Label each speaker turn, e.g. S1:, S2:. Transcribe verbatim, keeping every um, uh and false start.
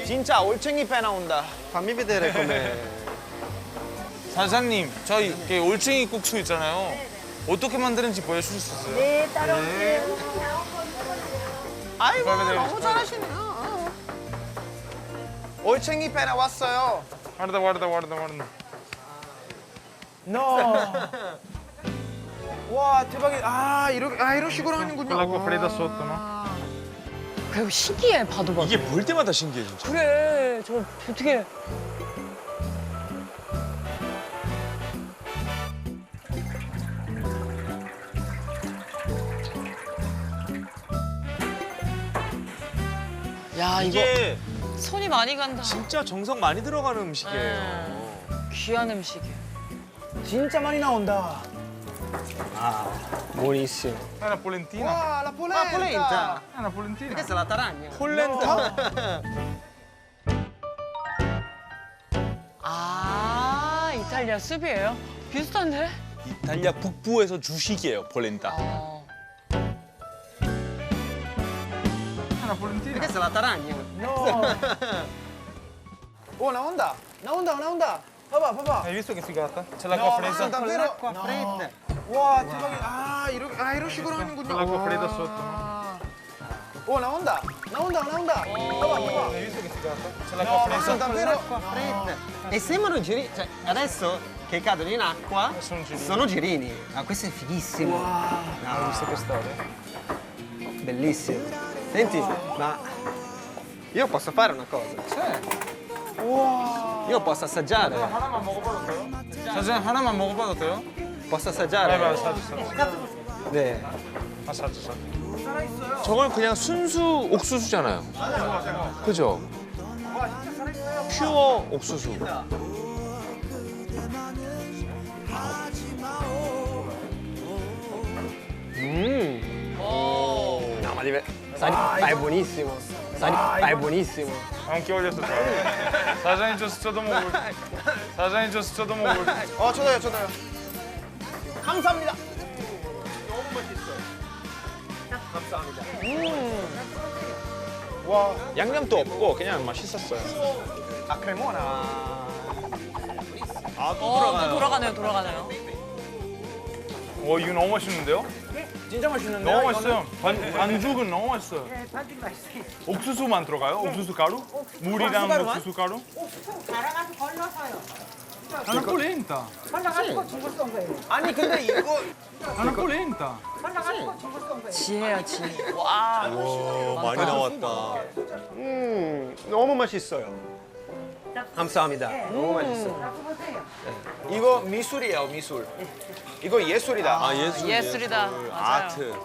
S1: 진짜 올챙이 빼 나온다.
S2: Fammi vedere com'è.
S3: 사장님, 저희 이렇게 올챙이 국수 있잖아요. 어떻게 만드는지 보여주실 수 있어요?
S4: 네, 따라오세요.
S1: 아이고
S3: 빨리
S1: 너무 잘하시네요. 올챙이 빼 나왔어요.
S3: guarda, guarda, guarda, guarda.
S1: No. 와 대박이. 아 이렇게 아 이런 식으로 하는군요.
S3: Con l'acqua fredda sotto, no?
S5: 그리고 신기해, 봐도 봐도.
S6: 이게 볼 때마다 신기해 진짜.
S5: 그래, 저 어떻게. 야, 이거
S6: 이게
S5: 손이 많이 간다.
S6: 진짜 정성 많이 들어가는 음식이에요.
S5: 귀한 음식이에요.
S1: 진짜 많이 나온다.
S2: Buonissimo.
S3: È una polentina.
S1: 와 la polenta. polenta.
S3: È una polentina.
S2: Questa è la taragna.
S3: 폴렌타.
S5: 아, 이탈리아 숲이에요? 비슷한데?
S6: 이탈리아 북부에서 주식이에요, 폴렌타.
S5: 어.
S3: È una polentina.
S2: Questa è la taragna.
S1: No. 오 나온다. 나온다 나온다. 봐봐 봐봐.
S3: Hai visto che figata? C'è l'acqua fredda.
S1: davvero?
S2: Acqua fredda.
S1: 와 대박이. 아 이렇게 아 이런 식으로 하는군요.
S3: Con l'acqua fredda sotto.
S1: 오 나온다. 나온다 나온다. 봐봐 봐봐.
S3: Hai visto che figata? C'è l'acqua fredda.
S1: davvero?
S2: Acqua fredda. E sembrano girini. Cioè, adesso che cadono in acqua
S3: Sono girini.
S2: sono girini. Ah, questo è fighissimo.
S3: Hai visto che storia?
S2: Bellissimo. Senti, ma io posso fare una cosa? Io posso assaggiare.
S3: 하나만 먹어봐도 돼요? 사장님 하나만 먹어봐도 돼요?
S2: Posso
S3: 네,
S2: assaggiare?
S3: 맞아, 사주,
S2: 네.
S3: 아, 사주, 사주.
S6: 저건 그냥 순수 옥수수잖아요. 그죠? 퓨어 옥수수.
S2: Mm. No, ma deve... Sa di... ma è buonissimo. Sa di... ma è buonissimo.
S3: 안기 올렸어. 사장님 저 저도 먹을. 사장님 저 저도 먹을.
S1: 어 저도요 저도요. 감사합니다.
S6: 양념도 없고 그냥 맛있었어요.
S1: 아 크레모나.
S6: 아, 또
S5: 어, 또 돌아가네요, 돌아가네요.
S3: 와 이거 너무 맛있는데요?
S1: 진짜 맛있는데요?
S3: 너무 맛있어요. 반, 반죽은 너무 맛있어요. 옥수수만 들어가요? 옥수수 가루? 물이랑
S1: 가루만?
S3: 옥수수 가루?
S4: 갈아가서 걸러서요.
S3: 하나 폴렌타.
S4: 걸러가지고 죽을 쏜 거예요.
S1: 아니 근데 이거
S3: 하나 폴렌타.
S4: 걸러가지고 죽을 쏜 거예요.
S5: 지혜야, 지혜. 와.
S6: 와, 많이 나왔다.
S2: 음, 너무 맛있어요. 감사합니다. 너무 맛있어요.
S4: 갖고 보세요.
S1: 이거 미술이에요 미술. 이거 예술이다.
S6: 아, 예술.
S5: 예술이다.
S6: 예술.
S5: 맞아요.
S6: 아트.